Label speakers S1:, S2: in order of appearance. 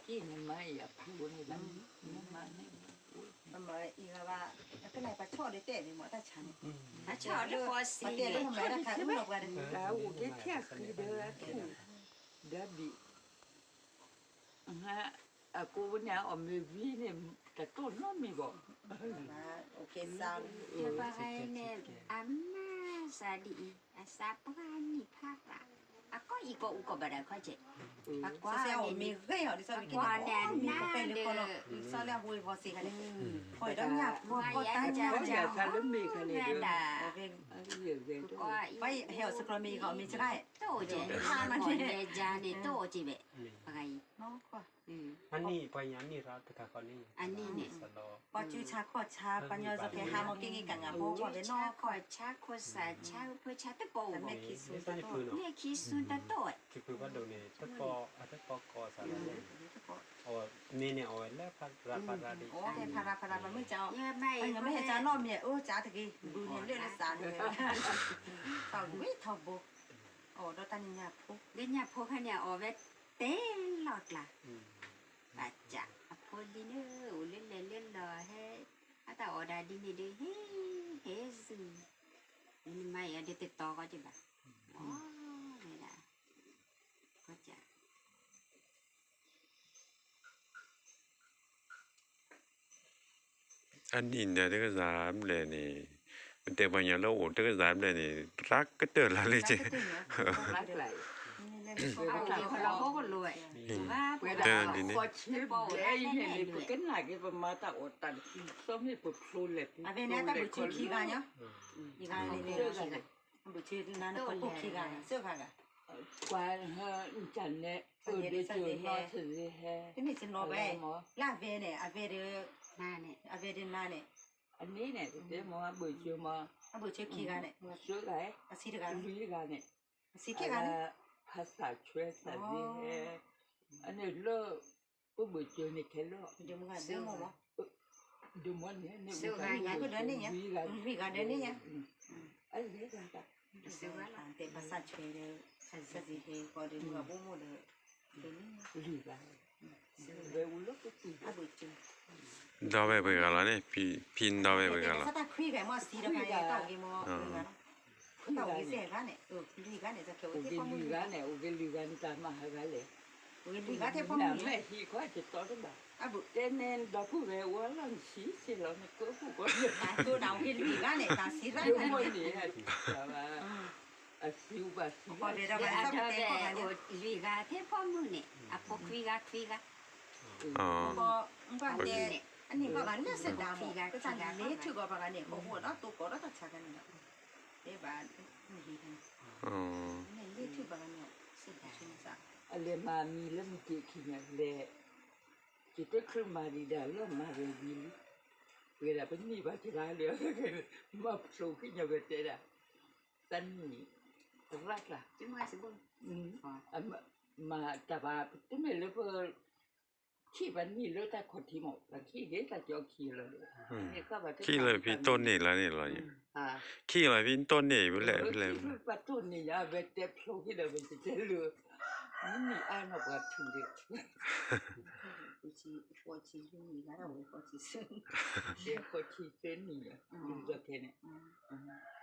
S1: ที่นี่ไม่อยากพูดนี่แบบนี่มานี่
S2: มันมาอีกว่าก็ไหนปลาช่อได้เตะนี่หมอตาฉัน
S3: À chợ nó có xí
S2: ปลาเตะก็ทำไรราคาอุ้มออกมาเลย
S1: แล้วอุกิเทียคือเดือดเดือดบีฮะกูเนี่ยอมวีเนี่ยแต่ต้นน้องมีบอก
S2: โอเคซาว
S3: Sebagai amma sadi asapa ni papa. Aku iko uko pada kau je. Aku
S2: เซล
S3: ni
S2: มีเกยอ่ะดิซอมีกินก็เป็นเลยคนซอแล้วบุยพอสิกันเลยพอยต้องหยับพอตายจ้า
S1: เขาอยากทำแล้วมีกันเลยด้วย
S3: dah.
S1: เรื่องเรื่อง
S2: ไปเฮลสกรมีเขามีจะได้
S3: Tu je. Kau ni jadi tu je be. Pakai.
S2: เนาะก็
S4: อันนี้ไปยันนี่รัฐกาคอนี่
S3: Ani ni.
S4: สโล
S2: ปอจูชาขอชาปัญญาจะแค่หามากินกันอ่ะเพราะว่าเป็นนอก
S3: Kau cak kau sa cak kau cak tu bau.
S2: แต่แม่คิดสู
S4: นี่
S2: ง
S4: ตอนนี้คือเนาะ
S3: Ni kisun tak tu.
S4: คือว่าโดนเนี่ยถ้าปอถ้าปอกอสารเลยเอานี่เนี่ยเอาไว้แล้วพัดราดี
S2: โอ้แต่พารามันไม่เจ้า
S3: Ya
S2: ไป
S3: mai.
S2: ยังไม่เห็นจ้านอมเนี่ยโอ้จ้าตะกี้ดูเนี่ยเรื่องละสารเลยเท่าไม่เท่าบุกโอ้ดอตันเนี่ยปุ๊บ
S3: Dia nya pokoknya awet telot lah. Baca. Apa dia ni? Ulil lelel lah. Hey. Atau ada di ni dia. Hey. Hey. Ini mai ada tetok aja bah. Oh, ni dah. Baca.
S5: อันนี้เนี่ย这个咱们嘞呢แต่บางอย่างเราโอ้这个咱们嘞呢รักก็เตอละเลยจ้ะ
S1: รักไหล
S3: Kalau kau luai. Wah,
S1: เวลาพอชิบเลยเนี่ยนี่ปุ๊กกันหลายกี่ประมาณตาอดตันส้มนี่ปุ๊บพลูเลย
S2: อ่ะเป็นเนี่ยแต่บุชีขี้กันเนาะขี้กันนี่เลยบุชีนั่นก็ปุ๊บขี้กันเสื้อผ้ากัน
S1: กว่าฮะจันเนี่ยเดี๋ยวจะนอนถึงแฮ
S2: ที่นี่สินโนไปลาเวเนี่ยอาเวเด
S3: mana ni?
S2: อาเวเดนาเนี่ย
S1: อันนี้เนี่ยเดี๋ยวมาบุญชิวมา
S2: อาบุชีขี้กันเนี่ย
S1: มาช่วยไง
S2: อาศิกัน
S1: ลุยกันเนี่ย
S2: ศิขี้กันเนี่ย
S1: ภาษาช่วยสัตว์นี่แฮอันนี้เลิกปุ๊บบุญชิวนี่แค่เลิก
S2: เดี๋ยวมึงอ่ะเดี๋ยวมึงวะ
S1: ดูมันเนี่ยเนี่ย
S2: ก็เดินนี่เนี่ยวิ่งกันเดินนี่เนี่ย
S1: อันนี้กันจ้ะ
S2: แต่ภาษาช่วยเลยสันสิเฮก็เดินกับบุ้งเลยเดินนี่
S1: ลุยกันเวลลุกก็ตี
S2: อาบุชี
S5: ดาวไปกันแล้วเนี่ยพินดาวไปกันแล้ว
S2: ถ้าตาคุยกันมาสีเดียวกันเนี่ยต้องกี่โมงต้องกี่เสียกันเนี่ยลุยกันเนี่ยจะเกี่ยว
S1: โอ
S2: ที่
S1: เค
S2: พ่อมึ
S1: ลุ
S2: ง
S1: ยกันเนี่ยโอเคลุยกันตามมาหากันเลย
S2: ลุยกันที่พ่อ
S1: แม่
S2: มึง
S1: แม่ที่เขาจะต่อกันแบบ
S2: อาบุ
S1: แต่เนี่ยเราพูดไปว่าเราชี้สิเราเนี่ยก็พูดว่า
S2: ตัวดาวที่ลุยกันเนี่ยตาสีกัน
S1: เดี๋ยว
S2: เนี่ย
S1: มันเนี่ยแต่ว่าสิวบาสิว
S2: พอเดี๋ยวเรา
S3: Dia
S2: ไปสัก
S3: ada
S2: เต็มของกันเนี่ย
S3: liga tepomu ni. Apa kuiga.
S5: อ๋อ
S2: พอว่าเนี่ยอันนี้ก็กันเนี่ยเสร็จดาวหมดก็จะเละถือก็กันเนี่ยโอ้โหแล้วตัวก็แล้วตัดฉากกันเนี่ยเอ๊ะบ้านไม่ดีนะ
S5: อ๋อ
S2: เนี่ยเละถือกันเนี่ยเสร็จดาวชิ้นสัก
S1: อะไรมามีเรื่องที่ขี้เนี่ยเลยจิตเครื่องมาดีดาเรื่องมาเรียนดีเวลาเป็นนี่บ้าจะได้เลยมาสู้ขึ้นอย่างเงี้ยตันนี่รักล่ะ
S3: Cuma sebut.
S1: มาแต่ว่าที่ไม่รู้ว่าขี้วันนี้รู้แต่คนที่หมดแล้วขี้เด็กแต่จะขี้เลยเนี่ยก็แบบ
S5: ขี้เลยพี่ต้นนี่แล้วนี่เหรอเนี่ย
S1: อ่า
S5: ขี้เลยพี่ต้นนี่ไปเลยไปเลย
S1: ขี้ประตูนี่นะเวทีโผล่ที่เราเป็นเจ้าเรือนี่มีอันว่าถึงเด็ก
S2: 不是佛起用你看到我佛起生，
S1: เด็กคนที่เส้นนี่อ่ะดูจะแค่เนี่ย